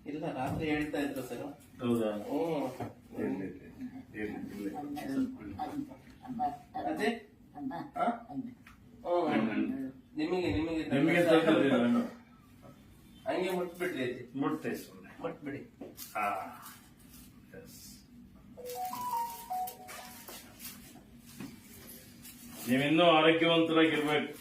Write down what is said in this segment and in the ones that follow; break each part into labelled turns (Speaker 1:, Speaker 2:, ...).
Speaker 1: ಇಲ್ಲ ರಾತ್ರಿ ಹೇಳ್ತಾ ಇದ್ರು ಸರ್.
Speaker 2: ಹೌದಾ?
Speaker 1: ಅದೇ ನಿಮಗೆ ನಿಮಗೆ
Speaker 2: ನಿಮಗೆ
Speaker 1: ಹಂಗೆ ಮುಟ್ಬಿಡ್ರಿ ಅಜ್ಜಿ.
Speaker 2: ಮುಟ್ತೆ ಸುಮ್ಮನೆ
Speaker 1: ಮುಟ್ಬಿಡಿ.
Speaker 2: ನೀವಿನ್ನೂ ಆರೋಗ್ಯವಂತರಾಗಿರ್ಬೇಕು.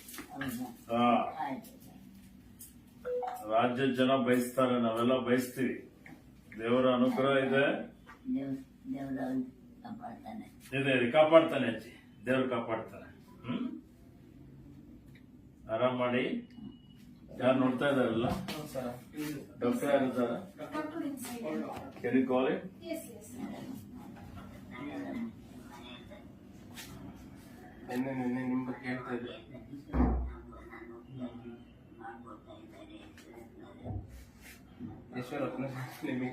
Speaker 2: ರಾಜ್ಯದ ಜನ ಬಯಸ್ತಾರೆ, ನಾವೆಲ್ಲ ಬಯಸ್ತೀವಿ. ದೇವರ ಅನುಗ್ರಹ ಇದೆ, ಕಾಪಾಡ್ತಾನೆ ಅಜ್ಜಿ. ದೇವ್ರು ಕಾಪಾಡ್ತಾನೆ. ಆರಾಮ್ ಮಾಡಿ. ಯಾರು ನೋಡ್ತಾ ಇದಾರಲ್ಲ? ಡಾಕ್ಟರ್ ಯಾರಿದ್ದಾರೆ? Can you call him?
Speaker 3: Yes, yes.
Speaker 1: ನಿನ್ನೆ ನಿಮ್ಮ ಬಗ್ಗೆ ಹೇಳ್ತಾ ಇದ್ದೆ. ಈಶ್ವರಪ್ಪನ ನಿಮಗೆ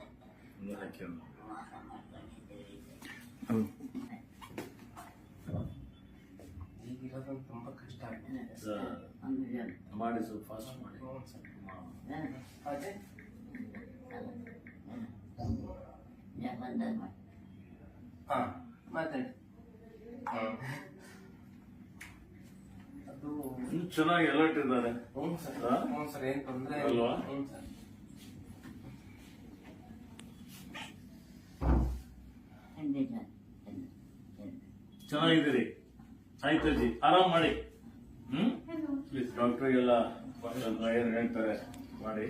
Speaker 1: ಈಗಿರೋದು ತುಂಬಾ ಕಷ್ಟ ಆಗಿದೆ
Speaker 2: ಮಾಡಿ, ಸ್ವಲ್ಪ ಫಾಸ್ಟ್ ಮಾಡಿ.
Speaker 1: ಅದೇ ಮಾತಾಡಿ. ಅದು
Speaker 2: ಚೆನ್ನಾಗಿ ಅಲರ್ಟ್ ಇದ್ದಾರೆ.
Speaker 1: ಹ್ಞೂ ಸರ್, ಏನ್ ತೊಂದರೆ
Speaker 2: ಅಲ್ವಾ?
Speaker 1: ಹ್ಞೂ ಸರ್.
Speaker 2: ಚೆನ್ನಾಗಿದ್ದೀರಿ? ಆಯ್ತು ಅಜ್ಜಿ, ಆರಾಮ್ ಮಾಡಿ. ಪ್ಲೀಸ್ ಡಾಕ್ಟರ್ಗೆಲ್ಲ ಏನ್ ಹೇಳ್ತಾರೆ ಮಾಡಿ.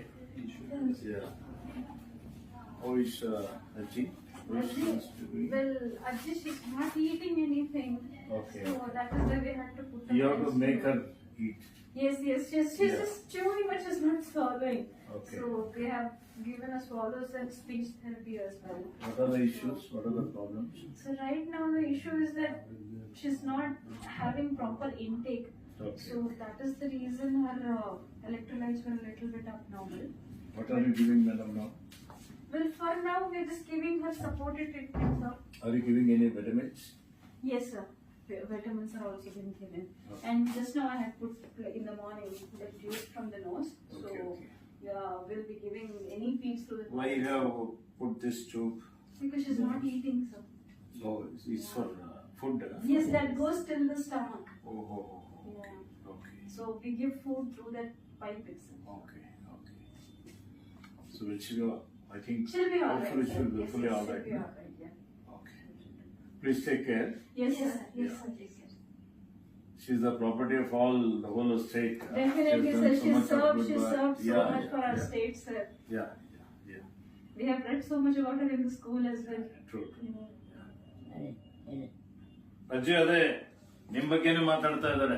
Speaker 2: ಅಜ್ಜಿ
Speaker 3: Well, Ajji, she's not eating anything.
Speaker 2: Okay.
Speaker 3: So that is why we had to put her.
Speaker 2: You have to make her eat.
Speaker 3: Yes. She's just chewing, but she's not swallowing.
Speaker 2: Okay.
Speaker 3: So we have given her swallows and speech therapy as well.
Speaker 2: What are the issues? What are the problems?
Speaker 3: So right now the issue is that she's not having proper intake.
Speaker 2: Okay.
Speaker 3: So that is the reason her electrolytes were a little bit abnormal.
Speaker 2: What are you giving madam now?
Speaker 3: Well, for now we're just giving her supported treatment, sir.
Speaker 2: Are you giving any vitamins?
Speaker 3: Yes, sir. Vitamins are also being given.
Speaker 2: Okay.
Speaker 3: And just now I have put in the morning the juice from the nose. So
Speaker 2: Okay.
Speaker 3: yeah, we'll be giving any feeds to the
Speaker 2: Why you have put this tube?
Speaker 3: because she's not eating, sir.
Speaker 2: Oh, it's for food.
Speaker 3: Yes, that goes till the stomach.
Speaker 2: Oh.
Speaker 3: Yeah.
Speaker 2: Okay.
Speaker 3: So we give food through that pipe itself.
Speaker 2: Okay. So will she go? I think
Speaker 3: She'll be alright.
Speaker 2: hopefully she'll be fully
Speaker 3: She'll
Speaker 2: alright.
Speaker 3: be alright. Yeah.
Speaker 2: Okay. Please take care.
Speaker 3: Yes, sir. Yes, sir. Yes, sir.
Speaker 2: She's the property of all the whole state.
Speaker 3: Definitely,
Speaker 2: She's
Speaker 3: sir.
Speaker 2: done so much of good
Speaker 3: She
Speaker 2: work.
Speaker 3: served so
Speaker 2: Yeah,
Speaker 3: much for our
Speaker 2: yeah.
Speaker 3: state, sir.
Speaker 2: Yeah.
Speaker 3: We have read so much about her in the school as well.
Speaker 2: True.
Speaker 3: Yeah.
Speaker 2: ಅಜ್ಜಿ ಅದೇ ನಿಮ್ ಬಗ್ಗೆನೇ ಮಾತಾಡ್ತಾ ಇದ್ದಾರೆ.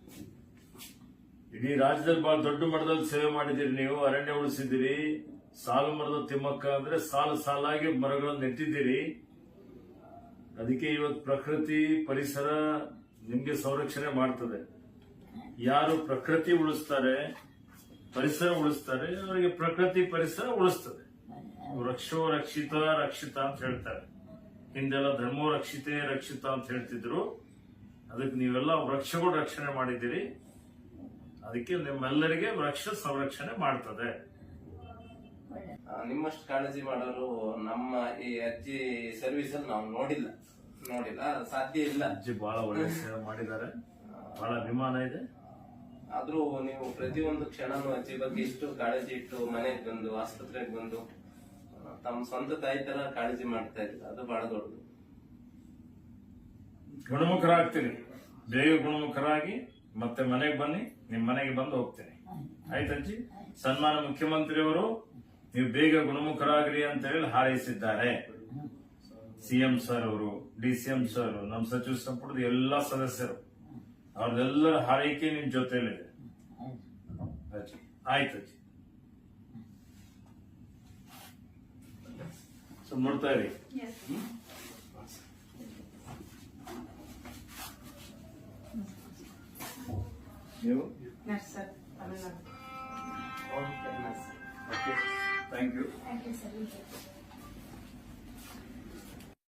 Speaker 2: ಇಡೀ ರಾಜ್ಯದಲ್ಲಿ ಬಹಳ ದೊಡ್ಡ ಮಟ್ಟದಲ್ಲಿ ಸೇವೆ ಮಾಡಿದಿರಿ ನೀವು. ಅರಣ್ಯ ಉಳಿಸಿದಿರಿ. ಸಾಲು ಮರದ ತಿಮ್ಮಕ್ಕ ಅಂದ್ರೆ ಸಾಲಾಗಿ ಮರಗಳನ್ನು ನೆಟ್ಟಿದ್ದೀರಿ. ಅದಕ್ಕೆ ಇವತ್ತು ಪ್ರಕೃತಿ ಪರಿಸರ ನಿಮ್ಗೆ ಸಂರಕ್ಷಣೆ ಮಾಡ್ತದೆ. ಯಾರು ಪ್ರಕೃತಿ ಉಳಿಸ್ತಾರೆ, ಪರಿಸರ ಉಳಿಸ್ತಾರೆ, ಅವರಿಗೆ ಪ್ರಕೃತಿ ಪರಿಸರ ಉಳಿಸ್ತದೆ. ವೃಕ್ಷೋ ರಕ್ಷಿತ ರಕ್ಷಿತ ಅಂತ ಹೇಳ್ತಾರೆ. ಹಿಂದೆಲ್ಲ ಧರ್ಮೋ ರಕ್ಷಿತೆ ರಕ್ಷಿತ ಅಂತ ಹೇಳ್ತಿದ್ರು. ಅದಕ್ಕೆ ನೀವೆಲ್ಲ ವೃಕ್ಷಗಳು ರಕ್ಷಣೆ ಮಾಡಿದ್ದೀರಿ. ಅದಕ್ಕೆ ನಿಮ್ಮೆಲ್ಲರಿಗೆ ವೃಕ್ಷ ಸಂರಕ್ಷಣೆ ಮಾಡ್ತದೆ.
Speaker 1: ನಿಮ್ಮಷ್ಟು ಕಾಳಜಿ ಮಾಡೋರು ನಮ್ಮ ಈ ಅಜ್ಜಿ ಸರ್ವಿಸ್ ಅಲ್ಲಿ ನಾವು ನೋಡಿಲ್ಲ, ಸಾಧ್ಯ ಇಲ್ಲ.
Speaker 2: ಅಜ್ಜಿ ಬಹಳ ಒಳ್ಳೆ ಸೇವೆ ಮಾಡಿದ್ದಾರೆ, ಬಹಳ ಅಭಿಮಾನ ಇದೆ.
Speaker 1: ಆದ್ರೂ ನೀವು ಪ್ರತಿಯೊಂದು ಕ್ಷಣನೂ ಅಜ್ಜಿ ಬಗ್ಗೆ ಇಷ್ಟು ಕಾಳಜಿ ಇಟ್ಟು ಮನೆಗೆ ಬಂದು ಆಸ್ಪತ್ರೆಗೆ ಬಂದು ತಮ್ಮ ಸ್ವಂತ ತಾಯಿ ತರ ಕಾಳಜಿ ಮಾಡ್ತಾ ಇದ್ರು. ಅದು ಬಹಳ ದೊಡ್ಡದು.
Speaker 2: ಗುಣಮುಖರಾಗ್ತೀನಿ, ಬೇಗ ಗುಣಮುಖರಾಗಿ ಮತ್ತೆ ಮನೆಗೆ ಬನ್ನಿ. ನಿಮ್ ಮನೆಗೆ ಬಂದು ಹೋಗ್ತೀನಿ. ಆಯ್ತಜ್ಜಿ. ಸನ್ಮಾನ ಮುಖ್ಯಮಂತ್ರಿಯವರು ನೀವು ಬೇಗ ಗುಣಮುಖರಾಗ್ರಿ ಅಂತ ಹೇಳಿ ಹಾರೈಸಿದ್ದಾರೆ. ಸಿಎಂ ಸರ್ ಅವರು, ಡಿಸಿಎಂ ಸರ್, ನಮ್ಮ ಸಚಿವ ಸಂಪುಟದ ಎಲ್ಲಾ ಸದಸ್ಯರು, ಅವ್ರದೆಲ್ಲರ ಹಾರೈಕೆ ನಿಮ್ ಜೊತೆಲಿದೆ. ಆಯ್ತಜ್ಜಿ. ಸೊ ನೋಡ್ತಾ ಇರಿ. ನೀವು
Speaker 1: okay,
Speaker 2: thank you.
Speaker 3: Thank you, sir.